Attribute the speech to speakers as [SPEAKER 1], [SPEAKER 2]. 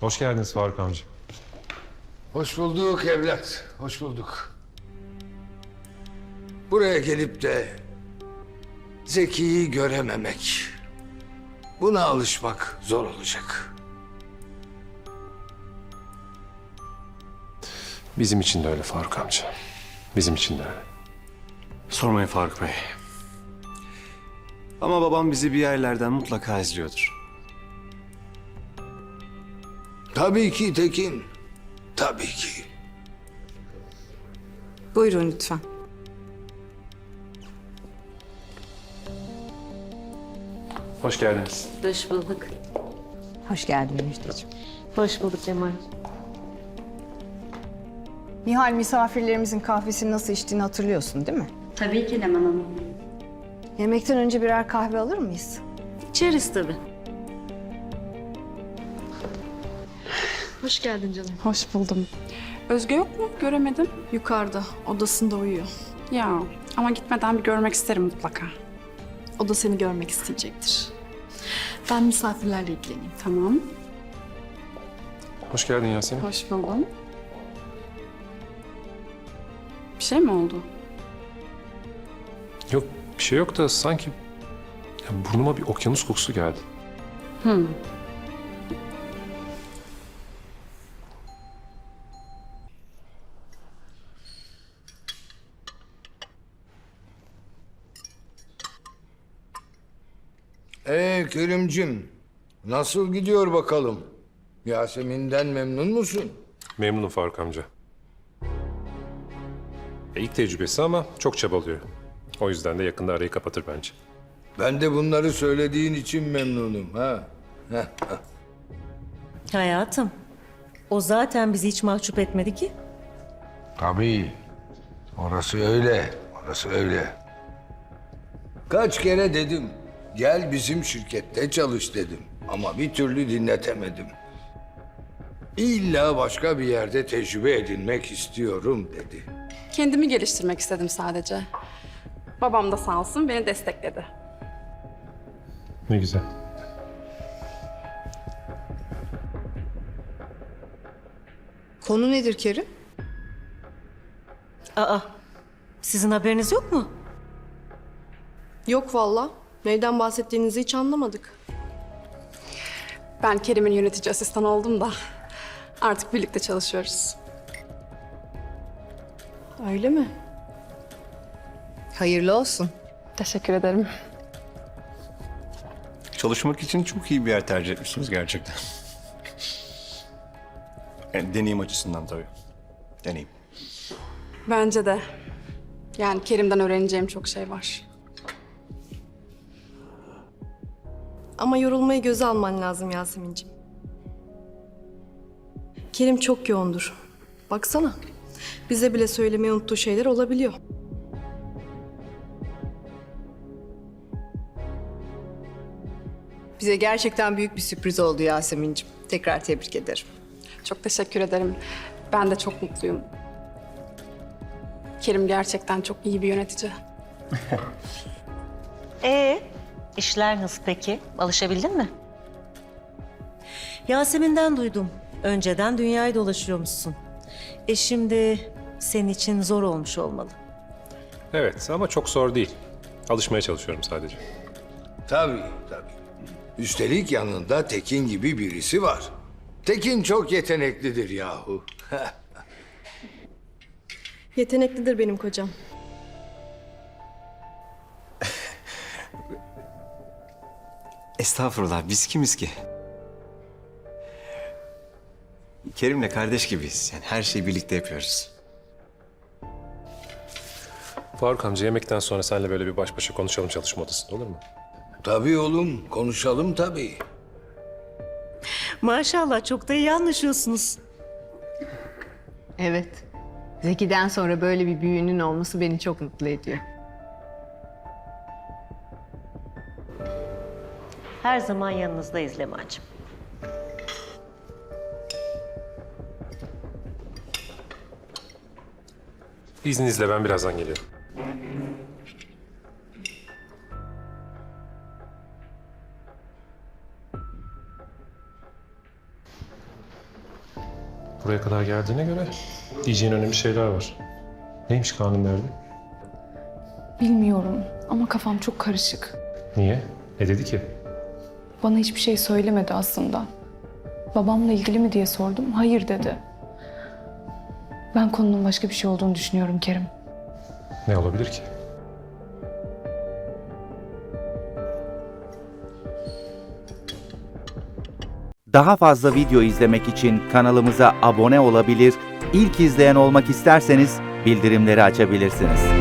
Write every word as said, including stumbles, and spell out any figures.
[SPEAKER 1] Hoş geldiniz Faruk amca.
[SPEAKER 2] Hoş bulduk evlat, hoş bulduk. Buraya gelip de Zeki'yi görememek, buna alışmak zor olacak.
[SPEAKER 1] Bizim için de öyle Faruk amca. Bizim için de öyle.
[SPEAKER 3] Sormayın Faruk Bey. Ama babam bizi bir yerlerden mutlaka izliyordur.
[SPEAKER 2] Tabii ki Tekin, tabii ki.
[SPEAKER 4] Buyurun lütfen.
[SPEAKER 1] Hoş geldiniz.
[SPEAKER 5] Hoş bulduk.
[SPEAKER 4] Hoş geldin Müjdeciğim.
[SPEAKER 5] Hoş bulduk Cemal.
[SPEAKER 4] Nihal, misafirlerimizin kahvesini nasıl içtiğini hatırlıyorsun değil mi?
[SPEAKER 5] Tabii ki Leman Hanım.
[SPEAKER 4] Yemekten önce birer kahve alır mıyız?
[SPEAKER 5] İçeriz tabii.
[SPEAKER 6] Hoş geldin canım.
[SPEAKER 7] Hoş buldum. Özge yok mu? Göremedim.
[SPEAKER 6] Yukarıda, odasında uyuyor.
[SPEAKER 7] Ya ama gitmeden bir görmek isterim mutlaka.
[SPEAKER 6] O da seni görmek isteyecektir. Ben misafirlerle ilgileneyim.
[SPEAKER 7] Tamam.
[SPEAKER 1] Hoş geldin Yasemin.
[SPEAKER 7] Hoş buldum. Bir şey mi oldu?
[SPEAKER 1] Yok bir şey yok da sanki ya burnuma bir okyanus kokusu geldi.
[SPEAKER 7] Hmm.
[SPEAKER 2] Ee Kerimcim, nasıl gidiyor bakalım? Yasemin'den memnun musun?
[SPEAKER 1] Memnunum Faruk amca. E, ilk tecrübesi ama çok çabalıyor. O yüzden de yakında arayı kapatır bence.
[SPEAKER 2] Ben de bunları söylediğin için memnunum ha.
[SPEAKER 8] Hayatım, o zaten bizi hiç mahcup etmedi ki.
[SPEAKER 2] Tabii. Orası öyle, orası öyle. Kaç kere dedim, gel bizim şirkette çalış dedim. Ama bir türlü dinletemedim. İlla başka bir yerde tecrübe edinmek istiyorum dedi.
[SPEAKER 7] Kendimi geliştirmek istedim sadece. Babam da sağ olsun beni destekledi.
[SPEAKER 1] Ne güzel.
[SPEAKER 4] Konu nedir Kerim?
[SPEAKER 8] Aa, sizin haberiniz yok mu?
[SPEAKER 6] Yok valla. Neyden bahsettiğinizi hiç anlamadık.
[SPEAKER 7] Ben Kerim'in yönetici asistanı oldum da artık birlikte çalışıyoruz.
[SPEAKER 6] Öyle mi?
[SPEAKER 4] Hayırlı olsun.
[SPEAKER 7] Teşekkür ederim.
[SPEAKER 3] Çalışmak için çok iyi bir yer tercih etmişsiniz gerçekten. Yani deneyim açısından tabii. Deneyim.
[SPEAKER 7] Bence de. Yani Kerim'den öğreneceğim çok şey var.
[SPEAKER 6] Ama yorulmayı göze alman lazım Yasemin'ciğim. Kerim çok yoğundur. Baksana. Bize bile söylemeyi unuttuğu şeyler olabiliyor.
[SPEAKER 4] Bize gerçekten büyük bir sürpriz oldu Yasemin'ciğim. Tekrar tebrik ederim.
[SPEAKER 7] Çok teşekkür ederim. Ben de çok mutluyum. Kerim gerçekten çok iyi bir yönetici.
[SPEAKER 8] Ee, işler nasıl peki? Alışabildin mi? Yasemin'den duydum. Önceden dünyayı dolaşıyormuşsun. E şimdi senin için zor olmuş olmalı.
[SPEAKER 1] Evet ama çok zor değil. Alışmaya çalışıyorum sadece.
[SPEAKER 2] Tabii, tabii. Üstelik yanında Tekin gibi birisi var. Tekin çok yeteneklidir yahu.
[SPEAKER 6] Yeteneklidir benim kocam.
[SPEAKER 3] Estağfurullah, biz kimiz ki? Kerim'le kardeş gibiyiz. Yani her şeyi birlikte yapıyoruz.
[SPEAKER 1] Faruk amca yemekten sonra seninle böyle bir baş başa konuşalım çalışma odasında olur mu?
[SPEAKER 2] Tabii oğlum, konuşalım tabii.
[SPEAKER 8] Maşallah çok da iyi anlaşıyorsunuz.
[SPEAKER 9] Evet. Zeki'den sonra böyle bir büyüğünün olması beni çok mutlu ediyor.
[SPEAKER 8] Her zaman yanınızdayız Leman'cığım.
[SPEAKER 1] İzninizle ben birazdan geliyorum. buraya kadar geldiğine göre diyeceğin önemli şeyler var. Neymiş Kaan'ın derdi?
[SPEAKER 10] Bilmiyorum ama kafam çok karışık.
[SPEAKER 1] Niye? Ne dedi ki?
[SPEAKER 10] Bana hiçbir şey söylemedi aslında. Babamla ilgili mi diye sordum. Hayır dedi. Ben konunun başka bir şey olduğunu düşünüyorum Kerim.
[SPEAKER 1] Ne olabilir ki?
[SPEAKER 11] Daha fazla video izlemek için kanalımıza abone olabilir, ilk izleyen olmak isterseniz bildirimleri açabilirsiniz.